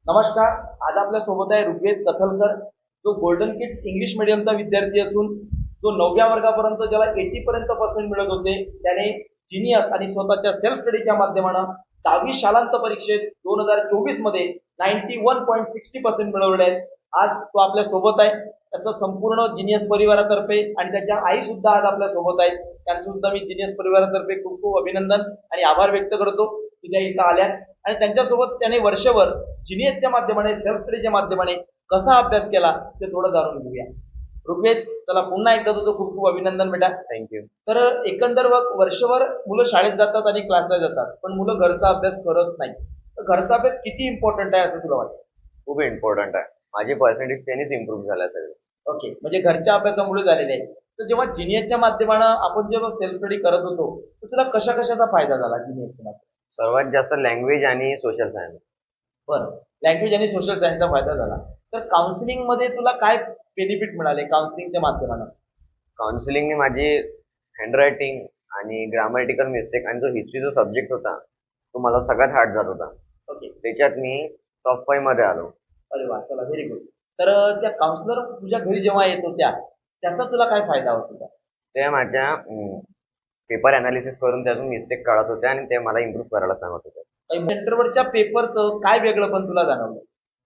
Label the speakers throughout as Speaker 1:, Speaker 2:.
Speaker 1: नमस्कार. आज आपल्या सोबत आहे ऋग्वेद कथलकर, जो गोल्डन किड्स इंग्लिश मीडियमचा विद्यार्थी असून जो 9व्या वर्गापर्यंत ज्याला 80 पर्यंत पर्सेंट मिळत होते, त्याने जिनियस आणि स्वतःच्या सेल्फ स्टडीच्या माध्यमानं 10वी शालांत परीक्षेत 2024 मध्ये 91.60% मिळवले आहेत. आज तो आपल्या सोबत आहे. त्याचं संपूर्ण जिनियस परिवारातर्फे आणि त्याच्या आई सुद्धा आज आपल्या सोबत आहेत. त्यांचं सुद्धा मी जिनियस परिवारातर्फे खूप खूप अभिनंदन आणि आभार व्यक्त करतो की त्या इथं आल्या. आणि त्यांच्यासोबत त्याने वर्षभर जिनियसच्या माध्यमाने सेल्फ स्टडीच्या माध्यमाने कसा अभ्यास केला ते थोडं जाणून घेऊया. ऋग्वेद, चला पुन्हा एकदा तुझं खूप खूप अभिनंदन बेटा.
Speaker 2: थँक्यू.
Speaker 1: तर एकंदर वर्षभर मुलं शाळेत जातात आणि क्लासला जातात, पण मुलं घरचा अभ्यास करत नाही. तर घरचा अभ्यास किती इम्पॉर्टंट आहे असं तुला वाटतं?
Speaker 2: खूप इम्पॉर्टंट आहे. माझे पर्सेंटेज त्यांनीच इम्प्रूव्ह झाला सगळे.
Speaker 1: ओके, म्हणजे घरच्या अभ्यासामुळे झालेले आहे. तर जेव्हा जिनियसच्या माध्यमानं आपण जेव्हा सेल्फ स्टडी करत होतो, तर तुला कशा कशाचा फायदा झाला जिनियसच्या माध्यमात?
Speaker 2: सर्वात जास्त लँग्वेज आणि सोशल सायन्स.
Speaker 1: बरं, लँग्वेज आणि सोशल सायन्सचा फायदा झाला. तर काउन्सिलिंग मध्ये तुला काय बेनिफिट मिळाले काउन्सिलिंगच्या माध्यमानं?
Speaker 2: काउन्सिलिंगने माझी हँडरायटिंग आणि ग्रामॅटिकल मिस्टेक आणि जो हिस्ट्री जो सब्जेक्ट होता तो मला सगळ्यात हार्ड जात होता.
Speaker 1: ओके.
Speaker 2: त्याच्यात मी टॉप 5 मध्ये आलो.
Speaker 1: अरे वा, चला व्हेरी गुड. तर त्या काउन्सिलर तुझ्या घरी जेव्हा येत होत्या, त्याचा तुला काय फायदा होत होता?
Speaker 2: ते माझ्या पेपर अनालिसिस करून त्यातून मिस्टेक काढत होते आणि ते मला इम्प्रूव्ह करायला सांगत होते.
Speaker 1: सेंटरवरच्या पेपरचं काय वेगळं पण तुला जाणवलं?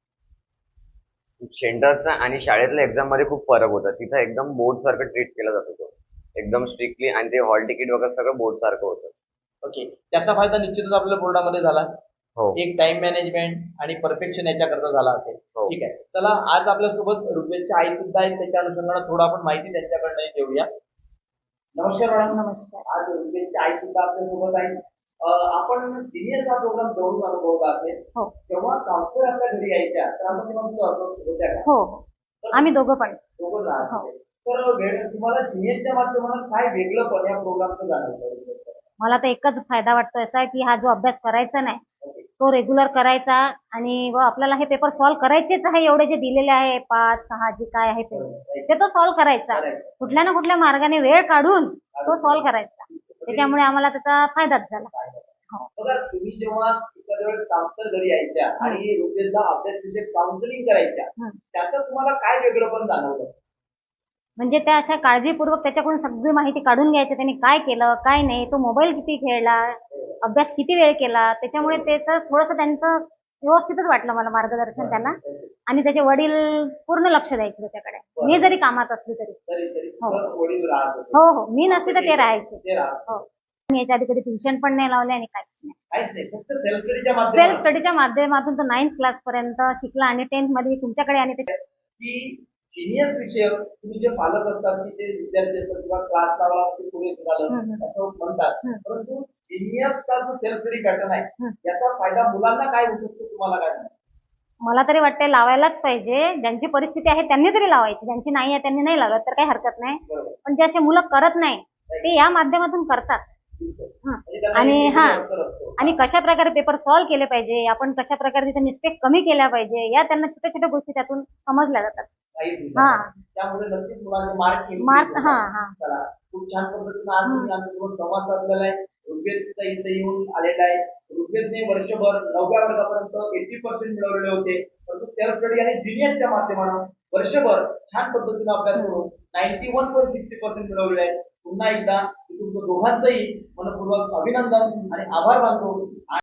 Speaker 2: सेंटरचा आणि शाळेतल्या एक्झाम मध्ये खूप फरक होता. तिथं एकदम बोर्ड सारखं ट्रीट केला जात होतं, एकदम स्ट्रिक्टली, आणि ते हॉल तिकीट वगैरे सगळं बोर्ड सारखं होतं.
Speaker 1: ओके, त्याचा फायदा निश्चितच आपल्या बोर्डामध्ये झाला.
Speaker 2: हो.
Speaker 1: एक टाइम मॅनेजमेंट आणि परफेक्शन याच्याकरता झाला असेल.
Speaker 2: हो.
Speaker 1: ठीक आहे, चला आज आपल्यासोबत ऋग्वेदची आई सुद्धा आहे, त्याच्या अनुषंगाने थोडं आपण माहिती त्यांच्याकडनं घेऊया. नमस्कार मॅडम.
Speaker 3: नमस्कार.
Speaker 1: आज ऋग्वेदची आई सुद्धा आपल्यासोबत आहे. आपण सिनियर हा प्रोग्राम जवळून अनुभवला असेल.
Speaker 3: हो
Speaker 1: तेव्हा काउन्सिलर आपल्या घरी यायच्या, तर आपण तेव्हा तुझं होत्या का?
Speaker 3: हो हो. आम्ही दोघं पण.
Speaker 1: दोघं राहत होते. तर तुम्हाला जिनियसच्या माध्यमातून काय वेगळं पण या प्रोग्रामचं जाणवलं?
Speaker 3: मला तर एकच फायदा वाटतो असा की हा जो अभ्यास करायचा नाही तो रेग्युलर करायचा आणि व आपल्याला हे पेपर सॉल्व्ह करायचेच आहे. एवढे जे दिलेले आहे 5 6 जे काय आहे ते तो सॉल्व्ह करायचा. कुठल्या ना कुठल्या मार्गाने वेळ काढून तो सॉल्व्ह करायचा. त्याच्यामुळे आम्हाला त्याचा फायदाच झाला.
Speaker 1: बघा, तुम्ही जेव्हा एखाद्या वेळेस काउन्सिलर घरी यायच्या आणि ऋग्वेदला अभ्यास काउन्सिलिंग करायच्या, त्याचं तुम्हाला काय वेगळं पण जाणवलं?
Speaker 3: म्हणजे त्या अशा काळजीपूर्वक त्याच्याकडून सगळी माहिती काढून घ्यायची. त्यांनी काय केलं काय नाही, तो मोबाईल किती खेळला, अभ्यास किती वेळ केला. त्याच्यामुळे त्याचं थोडंसं त्यांचं व्यवस्थितच वाटलं मला मार्गदर्शन त्यांना. आणि त्याचे वडील पूर्ण लक्ष द्यायचे त्याच्याकडे, मी जरी कामात असली तरी.
Speaker 1: वडील राहत होते.
Speaker 3: हो हो, मी नसली तर ते राहायचे.
Speaker 1: ते राहत
Speaker 3: हो, मी याच्या आधी कधी ट्युशन पण नाही लावले आणि काहीच नाही.
Speaker 1: काहीच नाही, फक्त सेल्फ स्टडीच्या
Speaker 3: सेल्फ
Speaker 1: माध्यमातून
Speaker 3: स्टडीच्या माध्यमातून तर 9th क्लास पर्यंत शिकला आणि 10th मध्ये तुमच्याकडे आणि
Speaker 1: की सिनियर विषय तुम्ही जे पालक असतात की ते विद्यार्थी असतात किंवा क्लास लावा ते पुढे झालं असं म्हणतात, परंतु सिनियरचा जो सेल्फ स्टडी पॅटर्न आहे याचा फायदा मुलांना काय होऊ शकतो तुम्हाला काय म्हणतो?
Speaker 3: मला तरी वाटते लावायलाच पाहिजे. ज्यांची परिस्थिती आहे त्यांनी तरी लावायची, ज्यांची नाही आहे त्यांनी नाही लावत तर काही हरकत नाही. पण जे असे मुलं करत नाही ते या माध्यमातून करतात. आणि आणि कशा प्रकारे पेपर सॉल्व्ह केले पाहिजे, आपण कशा प्रकारे तिथे मिस्टेक कमी केल्या पाहिजे, या त्यांना छोट्या छोट्या गोष्टी त्यातून समजल्या जातात.
Speaker 1: त्यामुळे नक्कीच मुलांचे
Speaker 3: मार्क
Speaker 1: खूप छान पद्धतीने आज तुम्ही आमच्यासोबत संवाद साधलेला आहे. ऋग्वेद इथे येऊन आलेला आहे. ऋग्वेदने वर्षभर 9व्या वर्गापर्यंत 80% मिळवलेले होते, परंतु सेल्फ स्टडी आणि जिनियसच्या माध्यमातून वर्षभर छान पद्धतीने अभ्यास करून 91.60% मिळवलेले आहे. पुन्हा एकदा तुमचं दोघांचंही मनपूर्वक अभिनंदन आणि आभार मानतो.